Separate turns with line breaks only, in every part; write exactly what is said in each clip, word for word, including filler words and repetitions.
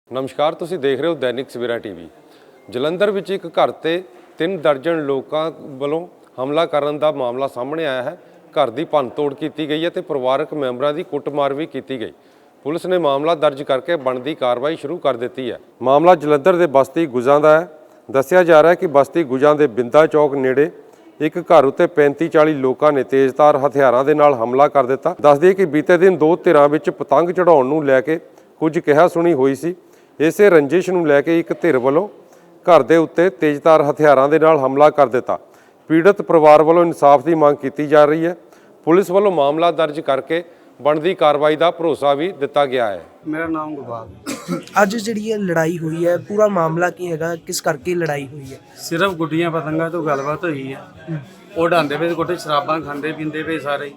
ਨਮਸਕਾਰ, ਤੁਸੀਂ ਦੇਖ ਰਹੇ ਹੋ ਦੈਨਿਕ ਸਵੇਰਾ ਟੀਵੀ। ਜਲੰਧਰ ਵਿੱਚ ਇੱਕ ਘਰ ਤੇ ਤਿੰਨ ਦਰਜਨ ਲੋਕਾਂ ਵੱਲੋਂ ਹਮਲਾ ਕਰਨ ਦਾ ਮਾਮਲਾ ਸਾਹਮਣੇ ਆਇਆ ਹੈ। ਘਰ ਦੀ ਭੰਨਤੋੜ ਕੀਤੀ ਗਈ ਹੈ ਤੇ ਪਰਿਵਾਰਕ ਮੈਂਬਰਾਂ ਦੀ ਕੁੱਟਮਾਰ ਵੀ ਕੀਤੀ ਗਈ। ਪੁਲਿਸ ਨੇ ਮਾਮਲਾ ਦਰਜ ਕਰਕੇ ਬਣਦੀ ਕਾਰਵਾਈ ਸ਼ੁਰੂ ਕਰ ਦਿੱਤੀ ਹੈ। ਮਾਮਲਾ ਜਲੰਧਰ ਦੇ ਬਸਤੀ ਗੁਜਾਂ ਦਾ ਹੈ। ਦੱਸਿਆ ਜਾ ਰਿਹਾ ਹੈ ਕਿ ਬਸਤੀ ਗੁਜਾਂ ਦੇ ਬਿੰਦਾ ਚੌਕ ਨੇੜੇ ਇੱਕ ਘਰ ਉੱਤੇ ਪੈਂਤੀ ਚਾਲੀ ਲੋਕਾਂ ਨੇ ਤੇਜ਼ਧਾਰ ਹਥਿਆਰਾਂ ਦੇ ਨਾਲ ਹਮਲਾ ਕਰ ਦਿੱਤਾ। ਦੱਸ ਦਈਏ ਕਿ ਬੀਤੇ ਦਿਨ ਦੋ ਧਿਰਾਂ ਵਿੱਚ ਪਤੰਗ ਚੜਾਉਣ ਨੂੰ ਲੈ ਕੇ ਕੁਝ ਕਿਹਾ ਸੁਣੀ ਹੋਈ ਸੀ। ਇਸੇ ਰੰਜਿਸ਼ ਨੂੰ ਲੈ ਕੇ ਇੱਕ ਧਿਰ ਵੱਲੋਂ ਘਰ ਦੇ ਉੱਤੇ ਤੇਜ਼ਧਾਰ ਹਥਿਆਰਾਂ ਦੇ ਨਾਲ ਹਮਲਾ ਕਰ ਦਿੱਤਾ। ਪੀੜਤ ਪਰਿਵਾਰ ਵੱਲੋਂ ਇਨਸਾਫ ਦੀ ਮੰਗ ਕੀਤੀ ਜਾ ਰਹੀ ਹੈ। ਪੁਲਿਸ ਵੱਲੋਂ ਮਾਮਲਾ ਦਰਜ ਕਰਕੇ ਬਣਦੀ ਕਾਰਵਾਈ ਦਾ ਭਰੋਸਾ ਵੀ ਦਿੱਤਾ ਗਿਆ ਹੈ।
ਮੇਰਾ ਨਾਮ ਗੁਰਬਾਜ।
ਅੱਜ ਜਿਹੜੀ ਇਹ ਲੜਾਈ ਹੋਈ ਹੈ, ਪੂਰਾ ਮਾਮਲਾ ਕੀ ਹੈਗਾ, ਕਿਸ ਕਰਕੇ ਲੜਾਈ ਹੋਈ ਹੈ?
ਸਿਰਫ ਗੁੱਡੀਆਂ ਪਤੰਗਾਂ ਤੋਂ ਗੱਲਬਾਤ ਹੋਈ ਹੈ। ਉਹ ਡਾਂਦੇ ਪਏ ਕੋਟੇ ਸ਼ਰਾਬਾਂ ਖਾਂਦੇ ਪੀਂਦੇ ਪਏ ਸਾਰੇ।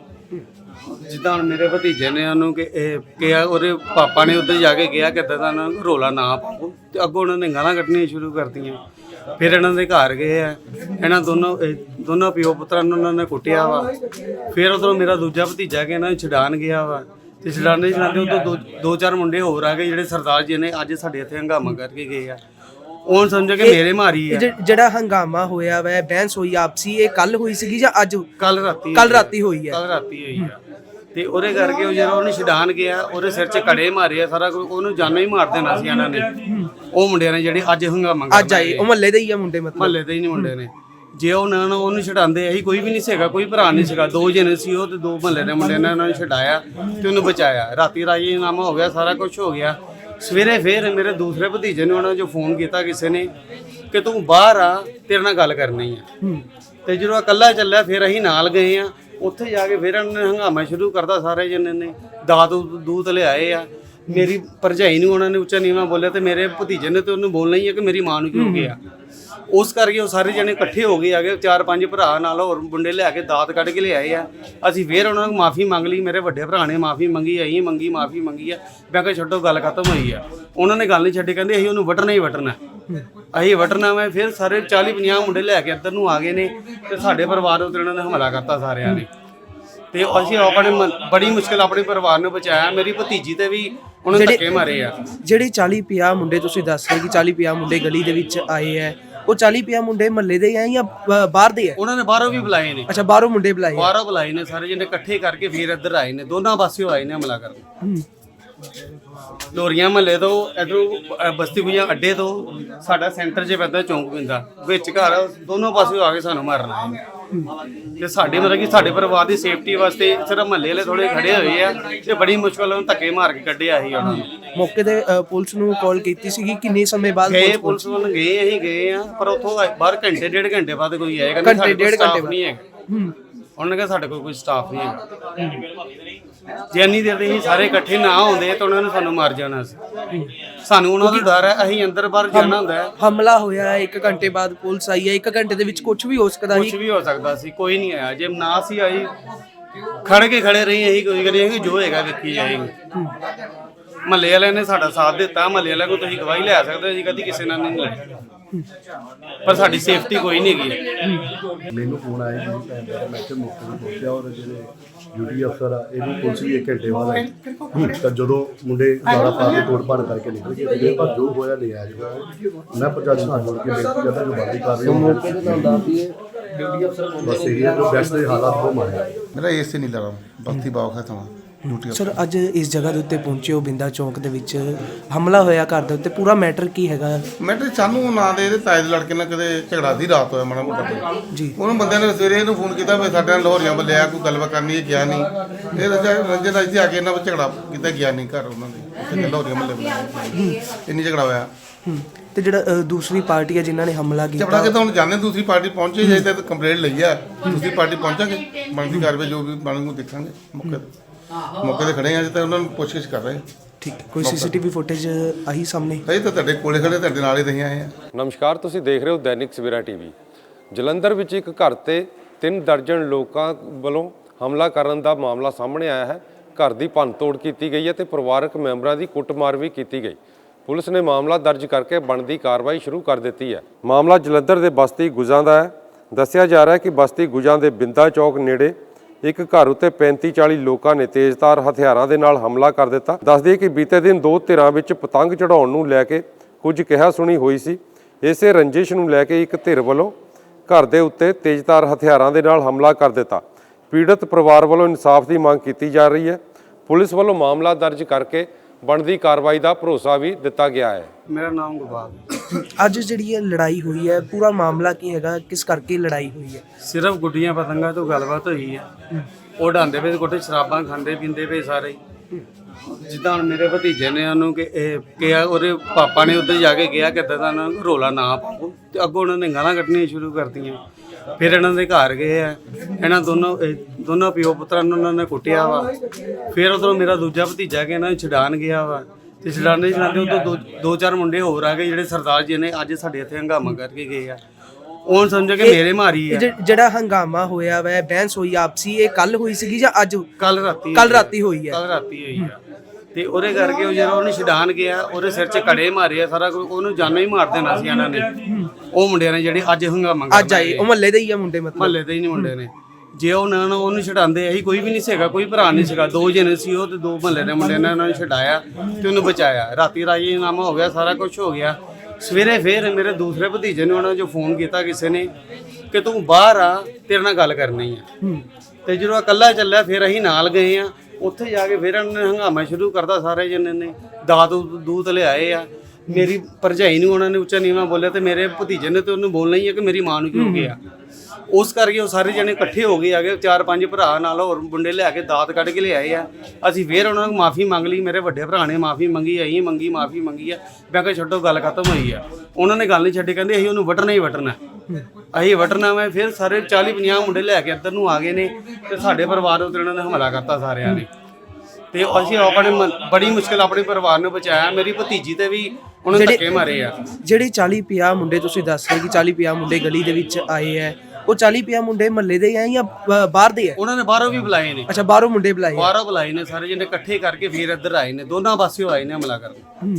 ਜਿੱਦਾਂ ਹੁਣ ਮੇਰੇ ਭਤੀਜੇ ਨੇ ਉਹਨੂੰ ਕਿ ਇਹ ਕਿਹਾ, ਉਹਦੇ ਪਾਪਾ ਨੇ ਉੱਧਰ ਜਾ ਕੇ ਕਿਹਾ ਕਿ ਇੱਦਾਂ ਦਾ ਰੋਲਾ ਨਾ ਪਾਓ, ਤੇ ਅੱਗੋਂ ਉਹਨਾਂ ਨੇ ਗਾਲਾਂ ਕੱਢਣੀਆਂ ਸ਼ੁਰੂ ਕਰਤੀਆਂ। ਫਿਰ ਇਹਨਾਂ ਦੇ ਘਰ ਗਏ ਆ, ਇਹਨਾਂ ਦੋਨੋਂ ਦੋਨੋਂ ਪਿਓ ਪੁੱਤਰਾਂ ਨੂੰ ਉਹਨਾਂ ਨੇ ਕੁੱਟਿਆ ਵਾ। ਫਿਰ ਉਧਰੋਂ ਮੇਰਾ ਦੂਜਾ ਭਤੀਜਾ ਕਿ ਇਹਨਾਂ ਨੂੰ ਛਡਾਣ ਗਿਆ ਵਾ, ਤੇ ਛਡਾਣੇ ਛਡਾਉਂਦੇ ਉਦੋਂ ਦੋ ਦੋ ਚਾਰ ਮੁੰਡੇ ਹੋਰ ਆ ਗਏ ਜਿਹੜੇ ਸਰਦਾਰ ਜੀ ਨੇ ਅੱਜ ਸਾਡੇ ਇੱਥੇ ਹੰਗਾਮਾ ਕਰਕੇ ਗਏ ਆ। ਉਹ ਸਮਝੋ ਕਿ ਮੇਰੇ ਮਾਰੀ ਆ।
ਜਿਹੜਾ ਹੰਗਾਮਾ ਹੋਇਆ ਵਾ, ਬਹਿਸ ਹੋਈ ਆਪਸੀ, ਇਹ ਕੱਲ ਹੋਈ ਸੀਗੀ ਜਾਂ ਅੱਜ?
ਕੱਲ ਰਾਤੀ
ਕੱਲ ਰਾਤੀ ਹੋਈ ਹੈ।
ਕੱਲ ਰਾਤੀ ਹੋਈ ਆ। ਤੇ ਉਹਦੇ ਕਰਕੇ ਉਹ ਜਦੋਂ ਉਹਨੂੰ ਛਡਾਣ ਗਿਆ, ਉਹਦੇ ਸਿਰ 'ਚ ਕੜੇ ਮਾਰੇ ਆ, ਸਾਰਾ ਕੁਝ ਉਹਨੂੰ ਜਾਨੋਂ ਹੀ ਮਾਰ ਦੇਣਾ ਸੀ ਇਹਨਾਂ ਨੇ। ਉਹ ਮੁੰਡਿਆਂ ਨੇ ਜਿਹੜੇ ਅੱਜ ਹੰਗਾਮਾ
ਅੱਜ ਆਏ, ਉਹ ਮਹੱਲੇ ਦੇ ਹੀ ਆ ਮੁੰਡੇ? ਮਤਲਬ
ਮਹੱਲੇ ਦੇ ਹੀ ਨਹੀਂ ਮੁੰਡੇ ਨੇ। ਜੇ ਉਹ ਨਾ ਉਹਨੂੰ ਛਡਾਉਂਦੇ, ਅਸੀਂ ਕੋਈ ਵੀ ਨਹੀਂ ਸੀਗਾ, ਕੋਈ ਭਰਾ ਨਹੀਂ ਸੀਗਾ, ਦੋ ਜਣੇ ਸੀ ਉਹ, ਤੇ ਦੋ ਮਹੱਲੇ ਦੇ ਮੁੰਡਿਆਂ ਨੇ ਉਹਨਾਂ ਨੂੰ ਛਡਾਇਆ ਤੇ ਉਹਨੂੰ ਬਚਾਇਆ। ਰਾਤੀ ਰਾਜੀਨਾਮਾ ਹੋ ਗਿਆ, ਸਾਰਾ ਕੁਝ ਹੋ ਗਿਆ। ਸਵੇਰੇ ਫਿਰ ਮੇਰੇ ਦੂਸਰੇ ਭਤੀਜੇ ਨੇ ਉਹਨਾਂ ਜੋ ਫੋਨ ਕੀਤਾ ਕਿਸੇ ਨੇ ਕਿ ਤੂੰ ਬਾਹਰ ਆ, ਤੇਰੇ ਨਾਲ ਗੱਲ ਕਰਨੀ ਆ। ਤੇ ਜਦੋਂ ਇਕੱਲਾ ਚੱਲਿਆ, ਫਿਰ ਅਸੀਂ ਨਾਲ ਗਏ ਆ। ਉੱਥੇ ਜਾ ਕੇ ਫਿਰ ਉਹਨਾਂ ਨੇ ਹੰਗਾਮਾ ਸ਼ੁਰੂ ਕਰਤਾ। ਸਾਰੇ ਜਣੇ ਨੇ ਦਾਤ ਦੂਤ ਲਿਆਏ ਆ। ਮੇਰੀ ਭਰਜਾਈ ਨੂੰ ਉਹਨਾਂ ਨੇ ਉੱਚਾ ਨੀਵਾਂ ਬੋਲਿਆ, ਤੇ ਮੇਰੇ ਭਤੀਜੇ ਨੇ ਤੇ ਉਹਨੂੰ ਬੋਲਣਾ ਹੀ ਹੈ ਕਿ ਮੇਰੀ ਮਾਂ ਨੂੰ ਕੀ ਹੋ ਗਿਆ। ਉਸ ਕਰਕੇ ਉਹ ਸਾਰੇ ਜਣੇ ਇਕੱਠੇ ਹੋ ਗਏ, ਆ ਗਏ ਚਾਰ ਪੰਜ ਭਰਾ ਨਾਲ ਹੋਰ ਮੁੰਡੇ ਲਿਆ ਕੇ ਦਾਤ ਕੱਢ ਕੇ ਲਿਆਏ ਆ। ਅਸੀਂ ਫਿਰ ਉਹਨਾਂ ਨੂੰ ਮਾਫੀ ਮੰਗ ਲਈ। ਮੇਰੇ ਵੱਡੇ ਭਰਾ ਨੇ ਮਾਫੀ ਮੰਗੀ, ਅਸੀਂ ਮੰਗੀ, ਮਾਫੀ ਮੰਗੀ ਆ। ਮੈਂ ਕਿਹਾ ਛੱਡੋ, ਗੱਲ ਖਤਮ ਹੋਈ ਆ। ਉਹਨਾਂ ਨੇ ਗੱਲ ਨਹੀਂ ਛੱਡੀ, ਕਹਿੰਦੇ ਅਸੀਂ ਉਹਨੂੰ ਵੱਢਣਾ ਹੀ ਵੱਢਣਾ, ਅਸੀਂ ਵੱਢਣਾ ਵਾ। ਫਿਰ ਸਾਰੇ ਚਾਲੀ ਪੰਜਾਹ ਮੁੰਡੇ ਲੈ ਕੇ ਇੱਧਰ ਨੂੰ ਆ ਗਏ ਨੇ, ਤੇ ਸਾਡੇ ਪਰਿਵਾਰ ਉੱਤੇ ਉਹਨਾਂ ਨੇ ਹਮਲਾ ਕਰਤਾ ਸਾਰਿਆਂ ਨੇ। ਤੇ ਅਸੀਂ ਆਪਣੇ ਬੜੀ ਮੁਸ਼ਕਿਲ ਆਪਣੇ ਪਰਿਵਾਰ ਨੂੰ ਬਚਾਇਆ। ਮੇਰੀ ਭਤੀਜੀ ਤੇ ਵੀ ਉਹਨਾਂ ਧੱਕੇ ਮਾਰੇ ਆ।
ਜਿਹੜੇ ਚਾਲੀ ਪੰਜਾਹ ਮੁੰਡੇ ਤੁਸੀਂ ਦੱਸ ਰਹੇ ਕਿ ਚਾਲੀ ਪੰਜਾਹ ਮੁੰਡੇ ਗਲੀ ਦੇ ਵਿੱਚ ਆਏ ਆ, ਉਹ ਚਾਲੀ ਪੰਜਾਹ ਮੁੰਡੇ ਮਹੱਲੇ ਦੇ ਆ ਜਾਂ ਬਾਹਰ ਦੇ ਆ?
ਉਹਨਾਂ ਨੇ ਬਾਹਰੋਂ ਵੀ ਬੁਲਾਏ ਨੇ।
ਅੱਛਾ, ਬਾਹਰੋਂ ਮੁੰਡੇ ਬੁਲਾਏ?
ਬਾਹਰੋਂ ਬੁਲਾਏ ਨੇ ਸਾਰੇ ਜਿਹਨੇ ਇਕੱਠੇ ਕਰਕੇ ਫਿਰ ਇੱਧਰ ਆਏ ਨੇ। ਦੋਨਾਂ ਪਾਸਿਓਂ ਆਏ ਨੇ ਹਮਲਾ ਕਰਨ। ਲੋਰੀਆਂ ਮਹੱਲੇ ਤੋਂ, ਇੱਧਰੋਂ ਬਸਤੀ ਗੁਈਆਂ ਅੱਡੇ ਤੋਂ, ਸਾਡਾ ਸੈਂਟਰ 'ਚ ਪੈਂਦਾ ਚੌਂਕ ਪੈਂਦਾ ਵਿੱਚ ਘਰ, ਦੋਨੋਂ ਪਾਸਿਓਂ ਆ ਕੇ ਸਾਨੂੰ ਮਾਰਨਾ ਹੈ। ਤੇ ਸਾਡੇ ਮਤਲਬ ਕਿ ਸਾਡੇ ਪਰਿਵਾਰ ਦੀ ਸੇਫਟੀ ਵਾਸਤੇ ਸਿਰਫ ਮਹੱਲੇ ਵਾਲੇ ਥੋੜੇ ਖੜੇ ਹੋਏ ਆ, ਤੇ ਬੜੀ ਮੁਸ਼ਕਲ ਨਾਲ ਧੱਕੇ ਮਾਰ ਕੇ ਕੱਢਿਆ ਸੀ ਉਹਨਾਂ ਨੂੰ।
ਮੌਕੇ ਤੇ ਪੁਲਿਸ ਨੂੰ ਕਾਲ ਕੀਤੀ ਸੀਗੀ? ਕਿੰਨੇ ਸਮੇਂ ਬਾਅਦ
ਗਏ ਪੁਲਿਸ ਵੱਲ ਗਏ? ਅਸੀਂ ਗਏ ਆ, ਪਰ ਉੱਥੋਂ ਬਾਹਰ ਘੰਟੇ ਡੇਢ ਘੰਟੇ ਬਾਅਦ ਕੋਈ ਆਏਗਾ।
ਘੰਟੇ ਡੇਢ ਘੰਟੇ
ਨਹੀਂ ਹੈਗਾ। ਉਹਨਾਂ ਨੇ ਕਿਹਾ ਸਾਡੇ ਕੋਲ ਕੋਈ ਸਟਾਫ ਨਹੀਂ ਹੈਗਾ। ਜੇ ਇੰਨੀ ਦੇਰ ਦੇ ਅਸੀਂ ਸਾਰੇ ਇਕੱਠੇ ਨਾ ਹੁੰਦੇ ਤਾਂ ਉਹਨਾਂ ਨੇ ਸਾਨੂੰ ਮਾਰ ਜਾਣਾ ਸੀ। ਸਾਨੂੰ ਉਹਨਾਂ ਦਾ ਡਰ ਹੈ, ਅਸੀਂ ਅੰਦਰ ਬਾਹਰ ਜਾਣਾ ਹੁੰਦਾ ਹੈ।
ਹਮਲਾ ਹੋਇਆ, ਇੱਕ ਘੰਟੇ ਬਾਅਦ ਪੁਲਿਸ ਆਈ ਹੈ, ਇੱਕ ਘੰਟੇ ਦੇ ਵਿੱਚ ਕੁਝ ਵੀ ਹੋ ਸਕਦਾ ਸੀ।
ਕੁਝ ਵੀ ਹੋ ਸਕਦਾ ਸੀ, ਕੋਈ ਨਹੀਂ ਆਇਆ। ਜੇ ਨਾ ਸੀ ਆਈ, ਖੜ ਕੇ ਖੜੇ ਰਹੀ, ਇਹੀ ਕੋਈ ਕਰੀ ਕਿ ਜੋ ਹੈਗਾ ਵੇਖੀ ਜਾਏਗੀ। ਮਹੱਲੇ ਵਾਲਿਆਂ ਨੇ ਸਾਡਾ ਸਾਥ ਦਿੱਤਾ। ਮਹੱਲੇ ਵਾਲਿਆਂ ਕੋਲ ਤੁਸੀਂ ਗਵਾਹੀ ਲੈ ਸਕਦੇ ਜੀ, ਕਦੀ ਕਿਸੇ ਨਾਲ ਨਹੀਂ ਲੜੇ, ਪਰ ਸਾਡੀ ਸੇਫਟੀ ਕੋਈ ਨਹੀਂ ਹੈਗੀ।
ਮੈਨੂੰ ਫੋਨ ਆਇਆ ਜੀ, ਮੈਂ ਕਿ ਮੌਕੇ ਤੇ ਪਹੁੰਚਿਆ, ਔਰ ਜਿਹੜੇ ਡਿਊਟੀ ਅਫਸਰ ਆ ਇਹਨੂੰ ਪੁਲਿਸ ਵੀ ਇੱਕ ਘੰਟੇ ਬਾਅਦ ਆਈ। ਤਾਂ ਜਦੋਂ ਮੁੰਡੇ ਗਾਲਾਂ ਪਾ ਕੇ ਤੋੜ ਭੰਨ ਕਰਕੇ ਨਿਕਲ ਗਏ, ਮੇਰੇ ਪਰ ਜੋ ਹੋਇਆ ਲੈ ਆ ਜੀ। ਮੈਂ ਪ੍ਰਸ਼ਾਸਨ ਨਾਲ ਜੁੜ ਕੇ ਬੇਨਤੀ ਕਰਦਾ ਜੋ ਬੰਦੀ ਕਰ ਰਹੀ ਹੈ ਮੌਕੇ ਤੇ ਤੁਹਾਨੂੰ ਦੱਸ ਦਈਏ ਡਿਊਟੀ ਅਫਸਰ ਬਸ ਇਹ ਜੋ ਬੈਸਟ ਦੇ ਹਾਲਾਤ ਬਹੁਤ ਮਾੜੇ ਆ।
ਮੇਰਾ ਏਸੇ ਨਹੀਂ ਲੜਾ ਬਸਤੀ ਬਾਗ ਹੈ ਤਾਂ ਡਿਊਟੀ।
ਸਰ, ਅੱਜ ਇਸ ਜਗ੍ਹਾ ਦੇ ਉੱਤੇ ਪਹੁੰਚੇ ਹੋ, ਬਿੰਦਾ ਚੌਂਕ ਦੇ ਵਿੱਚ ਹਮਲਾ ਹੋਇਆ ਘਰ ਦੇ ਉੱਤੇ, ਪੂਰਾ ਮੈਟਰ ਕੀ ਹੈਗਾ?
ਮੈਟਰ ਸਾਨੂੰ ਨਾ ਦੇ ਇਹਦੇ ਤਾਏ ਦੇ ਲੜਕੇ ਨਾਲ ਕਦੇ ਝਗੜਾ ਦੀ ਰਾਤ ਹੋਇਆ ਮਾੜਾ ਮੋਟਾ
ਜੀ।
ਉਹਨੂੰ ਬੰਦਿਆਂ ਨੇ ਸਵੇਰੇ ਇਹਨੂੰ ਫੋਨ ਕੀਤਾ ਵੀ ਸਾਡੇ ਨਾਲ ਲਾਹੌਰੀਆਂ ਵੱਲੇ ਆ, ਕੋਈ ਗੱਲਬਾਤ ਕਰਨੀ ਹੈ, ਗਿਆ ਨਹੀਂ। ਇਹ ਰੰਜਨ ਦਾ ਇੱਥੇ ਆ ਕੇ ਇਹਨਾਂ ਵਿੱਚ ਝਗੜਾ ਕੀਤਾ, ਗਿਆ ਨਹੀਂ ਘਰ ਉਹਨਾਂ ਦੇ ਲਾਹੌਰੀਆਂ ਮੱਲੇ ਵੱਲੇ ਇੰਨੀ ਝਗੜਾ ਹੋਇਆ।
ਤੇ ਜਿਹੜਾ ਦੂਸਰੀ ਪਾਰਟੀ ਹੈ ਜਿਨ੍ਹਾਂ ਨੇ ਹਮਲਾ ਕੀਤਾ,
ਝਗੜਾ ਕਿ ਤਾਂ ਹੁਣ ਜਾਣੇ ਦੂਸਰੀ ਪਾਰਟੀ ਪਹੁੰਚੇ ਜੇ ਤੇ ਕੰਪਲੇਂਟ ਲਈ ਆ, ਦੂਸਰੀ ਪਾਰਟੀ ਪਹੁੰਚਾਂਗੇ, ਬਣਦੀ ਕਾਰਵਾਈ ਜੋ ਵੀ ਬਣੂ ਦੇਖਾਂਗੇ। ਮੌਕੇ ਤੇ ਮੌਕੇ ਤੇ ਖੜੇ ਆ ਜੀ, ਤਾਂ ਉਹਨਾਂ ਨੂੰ ਪੁੱਛਗਿੱਛ ਕਰ ਰਹੇ।
ਠੀਕ ਹੈ। ਕੋਈ ਸੀਸੀਟੀਵੀ ਫੁਟੇਜ ਆਹੀ ਸਾਹਮਣੇ?
ਅਸੀਂ ਤਾਂ ਤੁਹਾਡੇ ਕੋਲੇ ਖੜੇ, ਤੁਹਾਡੇ ਨਾਲ ਹੀ ਰਹੀ ਆਏ ਆ।
ਨਮਸਕਾਰ, ਤੁਸੀਂ ਦੇਖ ਰਹੇ ਹੋ ਦੈਨਿਕ ਸਵੇਰਾ ਟੀਵੀ। ਜਲੰਧਰ ਵਿੱਚ ਇੱਕ ਘਰ ਤੇ ਤਿੰਨ ਦਰਜਨ ਲੋਕਾਂ ਵੱਲੋਂ ਹਮਲਾ ਕਰਨ ਦਾ ਮਾਮਲਾ ਸਾਹਮਣੇ ਆਇਆ ਹੈ। ਘਰ ਦੀ ਭੰਨਤੋੜ ਕੀਤੀ ਗਈ ਹੈ ਤੇ ਪਰਿਵਾਰਕ ਮੈਂਬਰਾਂ ਦੀ ਕੁੱਟਮਾਰ ਵੀ ਕੀਤੀ ਗਈ। ਪੁਲਿਸ ਨੇ ਮਾਮਲਾ ਦਰਜ ਕਰਕੇ ਬਣਦੀ ਕਾਰਵਾਈ ਸ਼ੁਰੂ ਕਰ ਦਿੱਤੀ ਹੈ। ਮਾਮਲਾ ਜਲੰਧਰ ਦੇ ਬਸਤੀ ਗੁਜਾਂ ਦਾ ਹੈ। ਦੱਸਿਆ ਜਾ ਰਿਹਾ ਹੈ ਕਿ ਬਸਤੀ ਗੁਜਾਂ ਦੇ ਬਿੰਦਾ ਚੌਕ ਨੇੜੇ ਇੱਕ ਘਰ ਉੱਤੇ ਪੈਂਤੀ ਚਾਲੀ ਲੋਕਾਂ ਨੇ ਤੇਜ਼ਧਾਰ ਹਥਿਆਰਾਂ ਦੇ ਨਾਲ ਹਮਲਾ ਕਰ ਦਿੱਤਾ। ਦੱਸ ਦਈਏ ਕਿ ਬੀਤੇ ਦਿਨ ਦੋ ਧਿਰਾਂ ਵਿੱਚ ਪਤੰਗ ਚੜਾਉਣ ਨੂੰ ਲੈ ਕੇ ਕੁਝ ਕਿਹਾ ਸੁਣੀ ਹੋਈ ਸੀ। ਇਸੇ ਰੰਜਿਸ਼ ਨੂੰ ਲੈ ਕੇ ਇੱਕ ਧਿਰ ਵੱਲੋਂ ਘਰ ਦੇ ਉੱਤੇ ਤੇਜ਼ਧਾਰ ਹਥਿਆਰਾਂ ਦੇ ਨਾਲ ਹਮਲਾ ਕਰ ਦਿੱਤਾ। ਪੀੜਤ ਪਰਿਵਾਰ ਵੱਲੋਂ ਇਨਸਾਫ ਦੀ ਮੰਗ ਕੀਤੀ ਜਾ ਰਹੀ ਹੈ। ਪੁਲਿਸ ਵੱਲੋਂ ਮਾਮਲਾ ਦਰਜ ਕਰਕੇ ਬਣਦੀ ਕਾਰਵਾਈ ਦਾ ਭਰੋਸਾ ਵੀ ਦਿੱਤਾ ਗਿਆ ਹੈ।
ਮੇਰਾ ਨਾਮ ਗੁਰਬਾਜ ਹੈ।
ਅੱਜ ਜਿਹੜੀ ਇਹ ਲੜਾਈ ਹੋਈ ਹੈ, ਪੂਰਾ ਮਾਮਲਾ ਕੀ ਹੈਗਾ, ਕਿਸ ਕਰਕੇ ਲੜਾਈ ਹੋਈ ਹੈ?
ਸਿਰਫ ਗੁੱਡੀਆਂ ਪਤੰਗਾਂ ਤੋਂ ਗੱਲਬਾਤ ਹੋਈ ਹੈ। ਉਹ ਡਾਂਦੇ ਪਏ ਕੋਟੇ ਸ਼ਰਾਬਾਂ ਖਾਂਦੇ ਪੀਂਦੇ ਪਏ ਸਾਰੇ। ਜਿੱਦਾਂ ਹੁਣ ਮੇਰੇ ਭਤੀਜੇ ਨੇ ਉਹਨੂੰ ਕਿ ਇਹ ਕਿਹਾ, ਉਹਦੇ ਪਾਪਾ ਨੇ ਉੱਧਰ ਜਾ ਕੇ ਕਿਹਾ ਕਿ ਇੱਦਾਂ ਦਾ ਰੋਲਾ ਨਾ ਪਾਓ, ਤੇ ਅੱਗੋਂ ਉਹਨਾਂ ਨੇ ਗਾਲਾਂ ਕੱਢਣੀਆਂ ਸ਼ੁਰੂ ਕਰਤੀਆਂ। ਫਿਰ ਇਹਨਾਂ ਦੇ ਘਰ ਗਏ ਆ, ਇਹਨਾਂ ਦੋਨੋਂ ਇਹ ਦੋਨੋਂ ਪਿਓ ਪੁੱਤਰਾਂ ਨੂੰ ਉਹਨਾਂ ਨੇ ਕੁੱਟਿਆ ਵਾ। ਫਿਰ ਉਧਰੋਂ ਮੇਰਾ ਦੂਜਾ ਭਤੀਜਾ ਕਿ ਇਹਨਾਂ ਨੂੰ ਛਡਾਣ ਗਿਆ ਵਾ, ਤੇ ਛਡਾਣੇ ਛਡਾਉਂਦੇ ਉਦੋਂ ਦੋ ਦੋ ਚਾਰ ਮੁੰਡੇ ਹੋਰ ਆ ਗਏ ਜਿਹੜੇ ਸਰਦਾਰ ਜੀ ਨੇ ਅੱਜ ਸਾਡੇ ਇੱਥੇ ਹੰਗਾਮਾ ਕਰਕੇ ਗਏ ਆ। ਉਹ ਸਮਝੋ ਕਿ ਮੇਰੇ ਮਾਰੀ
ਇਹ
ਆ।
ਜਿ- ਜਿਹੜਾ ਹੰਗਾਮਾ ਹੋਇਆ ਵੈ, ਬਹਿਸ ਹੋਈ ਆਪਸੀ, ਇਹ ਕੱਲ ਹੋਈ ਸੀਗੀ ਜਾਂ ਅੱਜ?
ਕੱਲ ਰਾਤੀ
ਕੱਲ ਰਾਤੀ ਹੋਈ ਹੈ।
ਕੱਲ ਰਾਤੀ ਹੋਈ ਆ। ਤੇ ਉਹਦੇ ਕਰਕੇ ਉਹ ਜਦੋਂ ਉਹਨੂੰ ਛਡਾਣ ਗਿਆ, ਉਹਦੇ ਸਿਰ 'ਚ ਕੜੇ ਮਾਰੇ ਆ, ਸਾਰਾ ਕੁਝ ਉਹਨੂੰ ਜਾਨੋਂ ਹੀ ਮਾਰ ਦੇਣਾ ਸੀ ਇਹਨਾਂ ਨੇ। ਉਹ ਮੁੰਡਿਆਂ ਨੇ ਜਿਹੜੇ ਅੱਜ ਹੰਗਾਮਾ
ਅੱਜ ਆਏ ਉਹ ਮਹੱਲੇ ਦੇ ਹੀ ਆ ਮੁੰਡੇ, ਮਤਲਬ
ਮਹੱਲੇ ਦੇ ਹੀ ਨਹੀਂ ਮੁੰਡੇ ਨੇ। ਜੇ ਉਹ ਨਾ ਉਹਨੂੰ ਛਡਾਉਂਦੇ, ਅਸੀਂ ਕੋਈ ਵੀ ਨਹੀਂ ਸੀਗਾ, ਕੋਈ ਭਰਾ ਨਹੀਂ ਸੀਗਾ, ਦੋ ਜਣੇ ਸੀ ਉਹ ਤੇ ਦੋ ਮਹੱਲੇ ਦੇ ਮੁੰਡਿਆਂ ਨੇ ਉਹਨਾਂ ਨੂੰ ਛਡਾਇਆ ਤੇ ਉਹਨੂੰ ਬਚਾਇਆ। ਰਾਤੀ ਰਾਜੀਨਾਮਾ ਹੋ ਗਿਆ, ਸਾਰਾ ਕੁਝ ਹੋ ਗਿਆ। ਸਵੇਰੇ ਫਿਰ ਮੇਰੇ ਦੂਸਰੇ ਭਤੀਜੇ ਨੇ ਉਹਨਾਂ ਜੋ ਫੋਨ ਕੀਤਾ ਕਿਸੇ ਨੇ ਕਿ ਤੂੰ ਬਾਹਰ ਆ, ਤੇਰੇ ਨਾਲ ਗੱਲ ਕਰਨੀ ਆ। ਤੇ ਜਦੋਂ ਇਕੱਲਾ ਚੱਲਿਆ ਫਿਰ ਅਸੀਂ ਨਾਲ ਗਏ ਆ। ਉੱਥੇ ਜਾ ਕੇ ਫਿਰ ਉਹਨਾਂ ਨੇ ਹੰਗਾਮਾ ਸ਼ੁਰੂ ਕਰਤਾ। ਸਾਰੇ ਜਣੇ ਨੇ ਦਾਤ ਦੂਤ ਲਿਆਏ ਆ। ਮੇਰੀ ਭਰਜਾਈ ਨੂੰ ਉਹਨਾਂ ਨੇ ਉੱਚਾ ਨੀਵਾਂ ਬੋਲਿਆ, ਤੇ ਮੇਰੇ ਭਤੀਜੇ ਨੇ ਤੇ ਉਹਨੂੰ ਬੋਲਣਾ ਹੀ ਹੈ ਕਿ ਮੇਰੀ ਮਾਂ ਨੂੰ ਕੀ ਹੋ ਗਿਆ। ਉਸ ਕਰਕੇ ਉਹ ਸਾਰੇ ਜਣੇ ਇਕੱਠੇ ਹੋ ਗਏ, ਆ ਗਏ ਚਾਰ ਪੰਜ ਭਰਾ ਨਾਲ ਹੋਰ ਮੁੰਡੇ ਲਿਆ ਕੇ ਦਾਤ ਕੱਢ ਕੇ ਲਿਆਏ ਆ। ਅਸੀਂ ਫਿਰ ਉਹਨਾਂ ਨੂੰ ਮਾਫੀ ਮੰਗ ਲਈ। ਮੇਰੇ ਵੱਡੇ ਭਰਾ ਨੇ ਮਾਫੀ ਮੰਗੀ, ਅਸੀਂ ਮੰਗੀ, ਮਾਫੀ ਮੰਗੀ ਆ। ਮੈਂ ਕਿਹਾ ਛੱਡੋ, ਗੱਲ ਖਤਮ ਹੋਈ ਆ। ਉਹਨਾਂ ਨੇ ਗੱਲ ਨਹੀਂ ਛੱਡੀ, ਕਹਿੰਦੇ ਅਸੀਂ ਉਹਨੂੰ ਵੱਢਣਾ ਹੀ ਵੱਢਣਾ, ਅਸੀਂ ਵੱਢਣਾ। ਮੈਂ ਫਿਰ ਸਾਰੇ ਚਾਲੀ ਪੰਜਾਹ ਮੁੰਡੇ ਲੈ ਕੇ ਇੱਧਰ ਨੂੰ ਆ ਗਏ ਨੇ, ਤੇ ਸਾਡੇ ਪਰਿਵਾਰ ਉੱਤੇ ਉਹਨਾਂ ਨੇ ਹਮਲਾ ਕਰਤਾ ਸਾਰਿਆਂ ਨੇ। ਤੇ ਅਸੀਂ ਆਪਣੇ ਮਨ- ਬੜੀ ਮੁਸ਼ਕਿਲ ਆਪਣੇ ਪਰਿਵਾਰ ਨੂੰ ਬਚਾਇਆ। ਮੇਰੀ ਭਤੀਜੀ ਤੇ ਵੀ ਉਹਨਾਂ ਨੇ ਧੱਕੇ ਮਾਰੇ ਆ।
ਜਿਹੜੇ ਚਾਲੀ ਪੰਜਾਹ ਮੁੰਡੇ ਤੁਸੀਂ ਦੱਸ ਰਹੇ ਕਿ ਚਾਲੀ ਪੰਜਾਹ ਮੁੰਡੇ ਗਲੀ ਦੇ ਵਿੱਚ ਆਏ ਹੈ, ਉਹ ਚਾਲੀ ਪੰਜਾਹ ਮੁੰਡੇ ਮਹੱਲੇ ਦੇ ਆ ਜਾਂ ਬ- ਬਾਹਰ ਦੇ ਆ?
ਉਹਨਾਂ ਨੇ ਬਾਹਰੋਂ ਵੀ ਬੁਲਾਏ ਨੇ।
ਅੱਛਾ, ਬਾਹਰੋਂ ਮੁੰਡੇ ਬੁਲਾਏ ਆ।
ਬਾਹਰੋਂ ਬੁਲਾਏ ਨੇ ਸਾਰੇ ਜਿਹਨੇ ਇਕੱਠੇ ਕਰਕੇ ਫਿਰ ਇੱਧਰ ਆਏ ਨੇ। ਦੋਨਾਂ ਪਾਸਿਓਂ ਆਏ ਨੇ ਹਮਲਾ ਕਰਨ।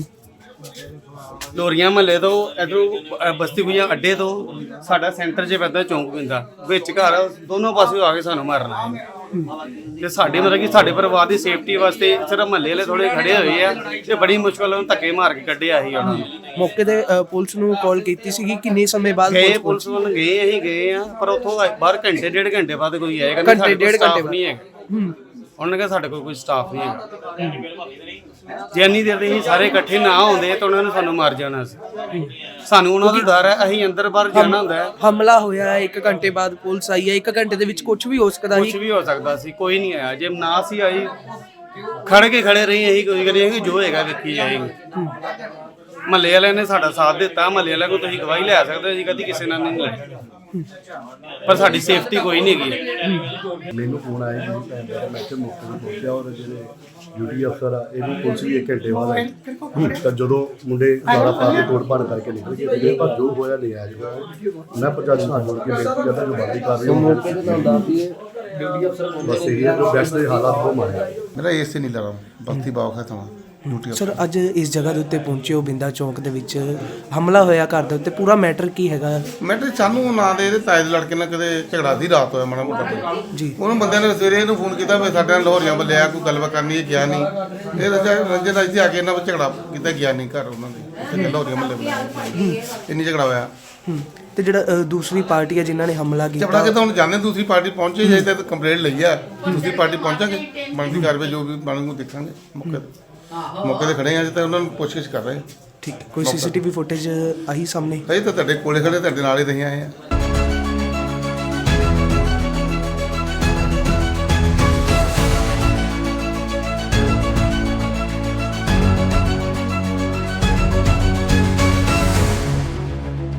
ਲੋਰੀਆਂ ਮਹੱਲੇ ਤੋਂ, ਇਧਰੋਂ ਬਸਤੀ ਗੁਈਆਂ ਅੱਡੇ ਤੋਂ, ਸਾਡਾ ਸੈਂਟਰ 'ਚ ਪੈਂਦਾ ਚੌਂਕ ਪੈਂਦਾ ਵਿੱਚ ਘਰ, ਦੋਨੋਂ ਪਾਸਿਓਂ ਆ ਕੇ ਸਾਨੂੰ ਮਾਰਨ ਆਏ ਨੇ। ਤੇ ਸਾਡੇ ਮਤਲਬ ਕਿ ਸਾਡੇ ਪਰਿਵਾਰ ਦੀ ਸੇਫਟੀ ਵਾਸਤੇ ਸਿਰਫ ਮਹੱਲੇ ਵਾਲੇ ਥੋੜੇ ਖੜੇ ਹੋਏ ਆ, ਤੇ ਬੜੀ ਮੁਸ਼ਕਲ ਨਾਲ ਧੱਕੇ ਮਾਰ ਕੇ ਕੱਢਿਆ ਸੀ ਉਹਨਾਂ ਨੂੰ।
ਮੌਕੇ ਤੇ ਅ, ਪੁਲਿਸ ਨੂੰ ਕਾਲ ਕੀਤੀ ਸੀਗੀ, ਕਿੰਨੇ ਸਮੇਂ ਬਾਅਦ
ਗਏ
ਪੁਲਿਸ
ਪੁਲਿਸ ਵੱਲ ਗਏ, ਅਸੀਂ ਗਏ ਆ, ਪਰ ਉੱਥੋਂ ਬਾਹਰ ਘੰਟੇ ਡੇਢ ਘੰਟੇ ਬਾਅਦ ਕੋਈ ਆਏਗਾ।
ਘੰਟੇ, ਡੇਢ ਘੰਟੇ
ਨਹੀਂ ਹੈਗਾ। ਉਹਨਾਂ ਨੇ ਕਿਹਾ ਸਾਡੇ ਕੋਲ ਕੋਈ ਸਟਾਫ ਨਹੀਂ ਹੈਗਾ। ਜੇ ਇੰਨੀ ਦੇਰ ਦੇ ਅਸੀਂ ਸਾਰੇ ਇਕੱਠੇ ਨਾ ਹੁੰਦੇ ਤਾਂ ਉਹਨਾਂ ਨੇ ਸਾਨੂੰ ਮਾਰ ਜਾਣਾ ਸੀ। ਸਾਨੂੰ ਉਹਨਾਂ ਦਾ ਡਰ ਹੈ, ਅਸੀਂ ਅੰਦਰ ਬਾਹਰ ਜਾਣਾ ਹੁੰਦਾ ਹੈ।
ਹਮਲਾ ਹੋਇਆ, ਇੱਕ ਘੰਟੇ ਬਾਅਦ ਪੁਲਿਸ ਆਈ ਹੈ, ਇੱਕ ਘੰਟੇ ਦੇ ਵਿੱਚ ਕੁਝ ਵੀ ਹੋ ਸਕਦਾ
ਕੁਝ
ਸੀ।
ਵੀ ਹੋ ਸਕਦਾ ਸੀ, ਕੋਈ ਨਹੀਂ ਆਇਆ। ਜੇ ਨਾ ਸੀ ਆਈ, ਖੜ ਕੇ ਖੜੇ ਰਹੀ, ਅਸੀਂ ਕੋਈ ਕਰੀ ਅਸੀਂ ਜੋ ਹੋਏਗਾ ਵੇਖੀ ਜਾਏਗੀ। ਮਹੱਲੇ ਵਾਲਿਆਂ ਨੇ ਸਾਡਾ ਸਾਥ ਦਿੱਤਾ। ਮਹੱਲੇ ਵਾਲਿਆਂ ਕੋਲ ਤੁਸੀਂ ਗਵਾਹੀ ਲੈ ਸਕਦੇ ਹੋ, ਅਸੀਂ ਕਦੀ ਕਿਸੇ ਨਾਲ ਨਹੀਂ ਲੜੇ, ਪਰ ਸਾਡੀ ਸੇਫਟੀ ਕੋਈ ਨਹੀਂ ਹੈਗੀ।
ਮੈਨੂੰ ਫੋਨ ਆਇਆ ਜੀ, ਭੈਣ ਦਾ ਮੈਂ ਇੱਥੇ ਮੌਕੇ ਤੇ ਪਹੁੰਚਿਆ, ਔਰ ਜਿਹੜੇ ਡਿਊਟੀ ਅਫਸਰ ਆ ਇਹ ਵੀ ਪੁਲਿਸ ਵੀ ਇੱਕ ਘੰਟੇ ਬਾਅਦ ਆਈ। ਤਾਂ ਜਦੋਂ ਮੁੰਡੇ ਗਾਲਾਂ ਪਾ ਕੇ ਤੋੜ ਭੰਨ ਕਰਕੇ ਨਿਕਲ ਗਏ, ਤੇ ਪਰ ਜੋ ਹੋਇਆ ਨਹੀਂ ਆਇਆ ਜੀ। ਮੈਂ ਪ੍ਰਸ਼ਾਸਨ ਨਾਲ ਜੁੜ ਕੇ ਬੇਨਤੀ ਕਰਦਾ ਜੋ ਬੰਦੀ ਕਰ ਰਹੀ ਹੈ ਮੌਕੇ ਤੇ ਤੁਹਾਨੂੰ ਦੱਸਦੀ ਹੈ ਡਿਊਟੀ ਅਫਸਰ ਬਸ ਇਹ ਹੈ ਜੋ ਬੈਸਟ ਦੇ ਹਾਲਾਤ ਉਹ ਮਾਰਿਆ।
ਮੇਰਾ ਏਸੇ ਨਹੀਂ ਲੜਾ ਬਸਤੀ ਬਾਗ ਹੈ ਤਾਂ ਡਿਊਟੀ
ਸਰ, ਅੱਜ ਇਸ ਜਗ੍ਹਾ ਦੇ ਉੱਤੇ ਪਹੁੰਚੇ ਹੋ, ਬਿੰਦਾ ਚੌਂਕ ਦੇ ਵਿੱਚ ਹਮਲਾ ਹੋਇਆ ਘਰ ਦੇ ਉੱਤੇ, ਪੂਰਾ ਮੈਟਰ ਕੀ ਹੈਗਾ?
ਮੈਟਰ ਸਾਨੂੰ ਨਾ ਦੇ ਇਹਦੇ ਤਾਏ ਦੇ ਲੜਕੇ ਨਾਲ ਕਦੇ ਝਗੜਾ ਦੀ ਰਾਤ ਹੋਇਆ ਮਾੜਾ ਮੋਟਾ ਕੋਈ।
ਜੀ।
ਉਹਨੂੰ ਬੰਦਿਆਂ ਨੇ ਸਵੇਰੇ ਇਹਨੂੰ ਫੋਨ ਕੀਤਾ ਵੀ ਸਾਡੇ ਨਾਲ ਲਾਹੌਰੀਆਂ ਬੱਲਿਆ ਕੋਈ ਗੱਲਬਾਤ ਕਰਨੀ ਹੈ, ਗਿਆ ਨਹੀਂ। ਇਹ ਰੰਜਨ ਦਾ ਇੱਥੇ ਆ ਕੇ ਇਹਨਾਂ ਵਿੱਚ ਝਗੜਾ ਕੀਤਾ, ਗਿਆ ਨਹੀਂ ਘਰ ਉਹਨਾਂ ਦੇ ਲਾਹੌਰੀਆਂ ਮੱਲੇ ਬੁਲਾਇਆ, ਇੰਨੀ ਝਗੜਾ ਹੋਇਆ।
ਹੂੰ। ਤੇ ਜਿਹੜਾ ਅ, ਦੂਸਰੀ ਪਾਰਟੀ ਹੈ ਜਿਨ੍ਹਾਂ ਨੇ ਹਮਲਾ
ਝਗੜਾ
ਕੀਤਾ,
ਕੇ ਤਾਂ ਹੁਣ ਜਾਣੇ ਦੂਸਰੀ ਪਾਰਟੀ ਪਹੁੰਚੇ ਜੇ ਤੇ ਕੰਪਲੇਂਟ ਲਈ ਆ, ਦੂਸਰੀ ਪਾਰਟੀ ਪਹੁੰਚਾਂਗੇ, ਬਣਦੀ ਕਾਰਵਾਈ ਜੋ ਵੀ ਬਣੂ ਦੇਖਾਂਗੇ। ਮੌਕੇ ਤੇ ਮੌਕੇ ਤੇ ਖੜੇ ਆ ਜੀ, ਤਾਂ ਉਹਨਾਂ ਨੂੰ ਪੁੱਛਗਿੱਛ ਕਰ ਰਹੇ।
ਠੀਕ ਹੈ। ਕੋਈ ਸੀਸੀਟੀਵੀ ਫੁਟੇਜ ਆਹੀ ਸਾਹਮਣੇ?
ਅਸੀਂ ਤਾਂ ਤੁਹਾਡੇ ਕੋਲੇ ਖੜੇ, ਤੁਹਾਡੇ ਨਾਲ ਹੀ ਰਹੇ ਆਏ ਆ।